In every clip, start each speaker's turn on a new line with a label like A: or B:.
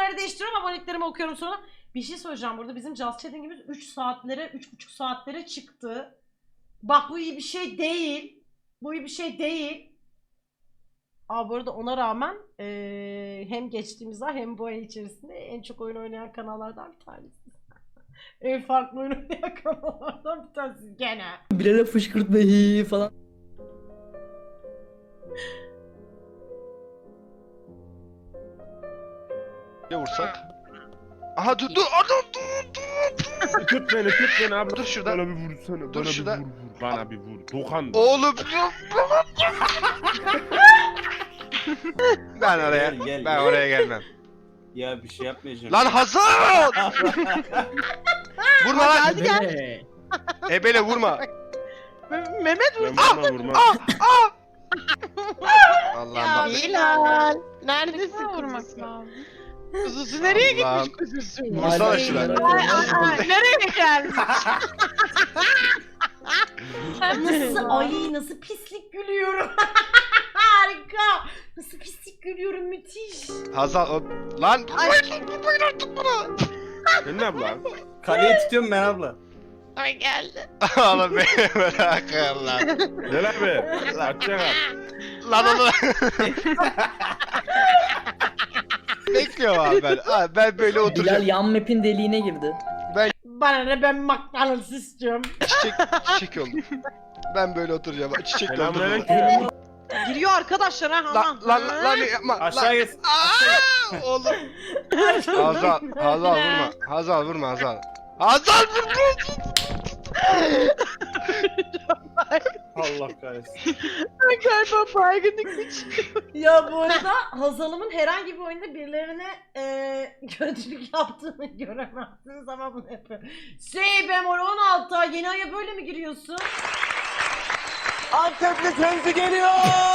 A: aboneleri değiştiriyorum. Aboneliklerimi okuyorum sonra. Bir şey söyleyeceğim burada. Bizim Just Chatting'imiz 3 saatlere, 3,5 saatlere çıktı. Bak bu iyi bir şey değil. Bu iyi bir şey değil. Aa bu arada ona rağmen hem geçtiğimiz ay hem bu ay içerisinde en çok oyun oynayan kanallardan bir tanesi. En farklı oyun oynayan kanallardan bir tanesi gene.
B: Bilal'e fışkırtma hi falan.
C: Ne vursak? Aha dur dur adam dur.
D: Tut beni abi.
C: Dur şuradan.
D: Bana bir vursana.
C: Dur
D: Bana
C: şuradan.
D: bir vur. Bana bir vur. Dokan.
C: Oğlum ben oraya
E: Gel,
C: ben
E: gel.
C: oraya gelmem.
E: Ya bir şey yapmayacağım.
C: Lan Hasan! Vurma lan.
B: Hadi gel.
C: Ebele vurma.
F: Mehmet
D: Ben vurma vurma.
C: Allah'ım
F: ya
C: bak.
F: Bilal. Neredesin vurmak lazım? Kuzusu nereye
C: Allah'ım.
F: gitmiş kuzusu?
C: Vursana şuna.
F: Nereye geldi?
A: Nasıl pislik gülüyorum. Harika. Nasıl pislik gülüyorum müthiş.
C: Hazal lan vurmayın artık bana.
D: Sen ne abla?
E: Kaleye tutuyorum ben abla.
F: Ay geldi.
C: Oğlum beni bırakın lan.
D: Gel abi. Açacak abi.
C: Lan onu. Bekliyorum abi ben. Abi ben böyle
B: Bilal
C: oturacağım.
B: yan map'in deliğine girdi.
A: Bana ne ben McDonald's istiyorum.
C: Çiçek oldu. Ben böyle oturacağım. Çiçek oldu.
D: Selamünaleyküm.
F: Giriyor arkadaşlar ha
C: Lan
F: aman.
C: lan yapma.
E: Aşağı git.
C: Aa, oğlum. Hazal vurma. Hazal vurma Hazal. Hazal vurma.
E: Allah kahretsin.
F: Galiba baygınlık geçiyor.
A: Ya bu arada Hazal'ımın herhangi bir oyunda birilerine kötülük yaptığını göremezsiniz ama bunu yapıyor. Bemol 16 yeni aya böyle mi giriyorsun?
E: Antepli Kenzi geliyor.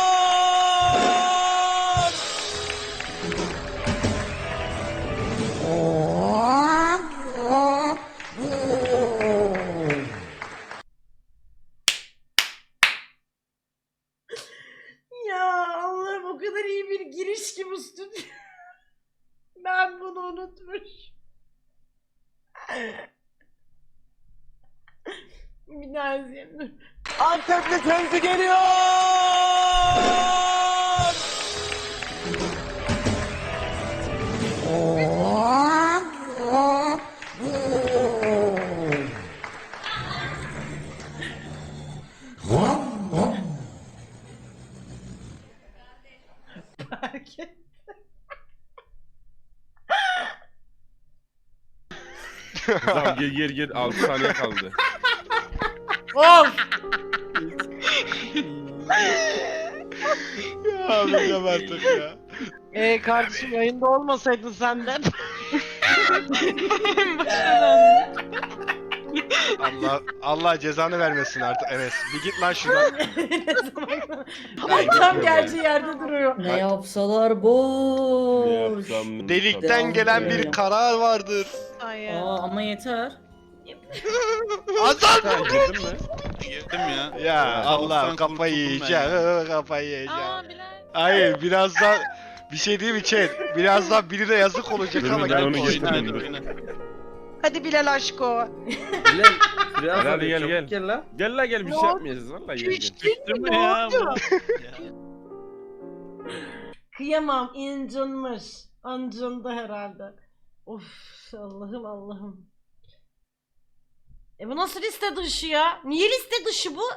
A: Ya Allah'ım o kadar iyi bir giriş ki bu stüdyo. Ben bunu unutmuş. Bir daha izleyelim dur.
E: Antepli Kenzi geliyor.
A: Fark et.
D: Tamam gel 6 saniye kaldı.
A: Of!
C: Ya abi artık ya.
F: Kardeşim yayında olmasaydın senden.
C: Allah cezanı vermesin artık Enes. Bir git lan şuradan.
A: Ay tam gerçi yerde duruyor.
B: Ne yapsalar
D: Ne
B: boş.
D: yapsam?
C: Delikten gelen bir karar vardır.
F: Ay ya.
B: Aa ama yeter.
C: Hazal
D: Sen girdin mi?
G: Girdim ya.
C: Ya Allah
G: Kaostan
C: kafayı
G: kurtuldum
C: yiyeceğim. Kafayı yiyeceğim.
F: Aa Bilal.
C: Hayır birazdan bir şey değil mi chat? Birazdan birine yazık olacak
D: Dur,
C: ama
D: ben onu
C: gel.
D: getirdim.
G: Oyna hadi oyna.
F: Hadi Bilal aşko.
E: Bilal. Biraz
D: Hadi gel, gel.
E: Gel lan.
D: Gel la gel bir
F: Ne
D: şey
F: oldu?
D: yapmayacağız valla gel gel.
G: Düştüm mü
F: Ne
G: ya?
F: oldu?
A: Kıyamam incinmiş. Ancındı herhalde. Of Allah'ım Allah'ım. Bu nasıl liste dışı ya? Niye liste dışı bu?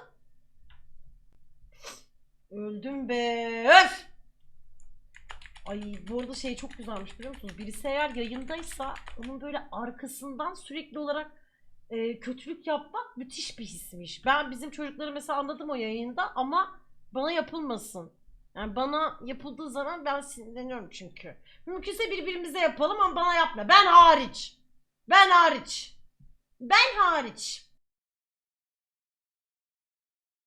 A: Öldüm be. Öf! Ay bu arada şey çok güzelmiş biliyor musunuz? Birisi eğer yayındaysa onun böyle arkasından sürekli olarak kötülük yapmak müthiş bir hismiş. Ben bizim çocukları mesela anladım o yayında ama bana yapılmasın. Yani bana yapıldığı zaman ben sinirleniyorum çünkü. Mümkünse birbirimize yapalım ama bana yapma. Ben hariç. Ben hariç. Ben hariç.